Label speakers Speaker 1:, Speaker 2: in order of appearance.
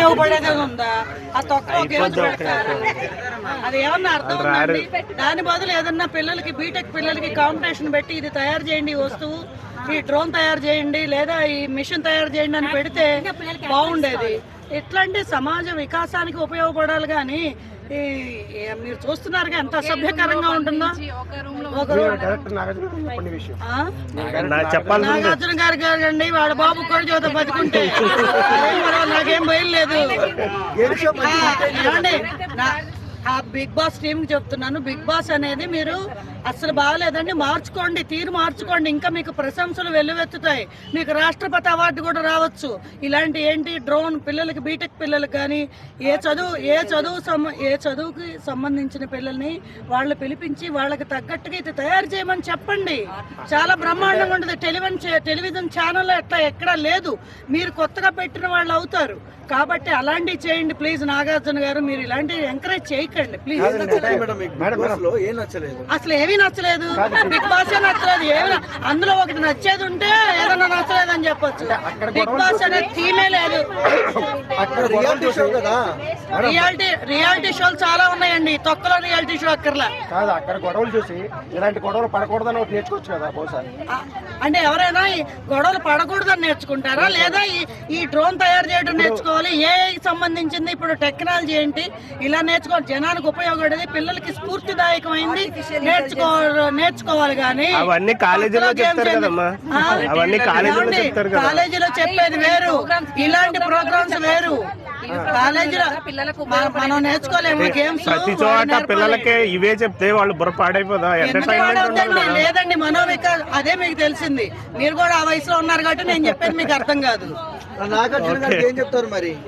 Speaker 1: ఉపయోగపడేది ఉందా? ఆ తొక్కలో గేమ్స్ పెడతారు, అది ఏమన్నా అర్థం ఉందండి? దాని బదులు ఏదన్నా పిల్లలకి బీటెక్ పిల్లలకి కాంపిటీషన్ పెట్టి ఇది తయారు చేయండి ఈ వస్తువు, ఈ డ్రోన్ తయారు చేయండి, లేదా ఈ మిషన్ తయారు చేయండి అని పెడితే బాగుండేది. ఇట్లాంటి సమాజ వికాసానికి ఉపయోగపడాలి కానీ మీరు చూస్తున్నారు ఎంత అసభ్యకరంగా ఉంటుందో. నాగార్జున గారు గారండి వాళ్ళ బాబు కూడా చోత బతుకుంటే నాకేం బయలులేదు. ఆ బిగ్ బాస్ టీమ్ కి చెప్తున్నాను, బిగ్ బాస్ అనేది మీరు అసలు బాగలేదండి, మార్చుకోండి, తీరు మార్చుకోండి. ఇంకా మీకు ప్రశంసలు వెల్లువెత్తుతాయి, మీకు రాష్ట్రపతి అవార్డు కూడా రావచ్చు. ఇలాంటి ఏంటి డ్రోన్ పిల్లలకి బీటెక్ పిల్లలకి కానీ ఏ చదువుకి సంబంధించిన పిల్లల్ని వాళ్ళు పిలిపించి వాళ్ళకి తగ్గట్టుగా ఇది తయారు చేయమని చెప్పండి. చాలా బ్రహ్మాండంగా ఉంటుంది. టెలివిజన్ ఛానల్ ఎట్లా ఎక్కడా లేదు, మీరు కొత్తగా పెట్టిన వాళ్ళు అవుతారు. కాబట్టి అలాంటివి చేయండి ప్లీజ్. నాగార్జున గారు మీరు ఇలాంటివి ఎంకరేజ్ చేయకండి ప్లీజ్. అసలు ఏమీ నచ్చలేదు, బిగ్ బాస్ నచ్చలేదు, ఏమి అందులో ఒకటి నచ్చేది ఉంటే ఏదన్నా నచ్చలేదు అని చెప్పొచ్చు. బిగ్ బాస్ అనేది థీమే లేదు. రియాలిటీ షోలు చాలా ఉన్నాయండి, తొక్కలో రియాలిటీ షో అక్కర్లా.
Speaker 2: అక్కడ గొడవలు చూసి ఇలాంటి గొడవలు పడకూడదని నేర్చుకోవచ్చు కదా బహుశా.
Speaker 1: అంటే ఎవరైనా ఈ గొడవలు పడకూడదని నేర్చుకుంటారా, లేదా ఈ డ్రోన్ తయారు చేయడం నేర్చుకోవాలి? ఏఐకి సంబంధించింది ఇప్పుడు టెక్నాలజీ ఏంటి ఇలా నేర్చుకోవాలి, జనానికి ఉపయోగపడేది, పిల్లలకి స్ఫూర్తిదాయకమైంది నేర్చుకోవాలి. కానీ
Speaker 3: అవన్నీ కాలేజీలో
Speaker 1: చెప్పేది వేరు, ఇలాంటి ప్రోగ్రామ్స్ వేరు. కాలేజీలో మనం నేర్చుకోలేము గేమ్స్.
Speaker 3: ప్రతి చోట పిల్లలకి ఇవే చెప్తే వాళ్ళు బుర్ర పాడైపోదా?
Speaker 1: లేదండి, మనోవికాస్ అదే మీకు తెలిసింది. మీరు కూడా ఆ వయసులో ఉన్నారు కాబట్టి నేను చెప్పేది మీకు అర్థం కాదు.
Speaker 2: నాగార్జున గారికి ఏం చెప్తారు మరి?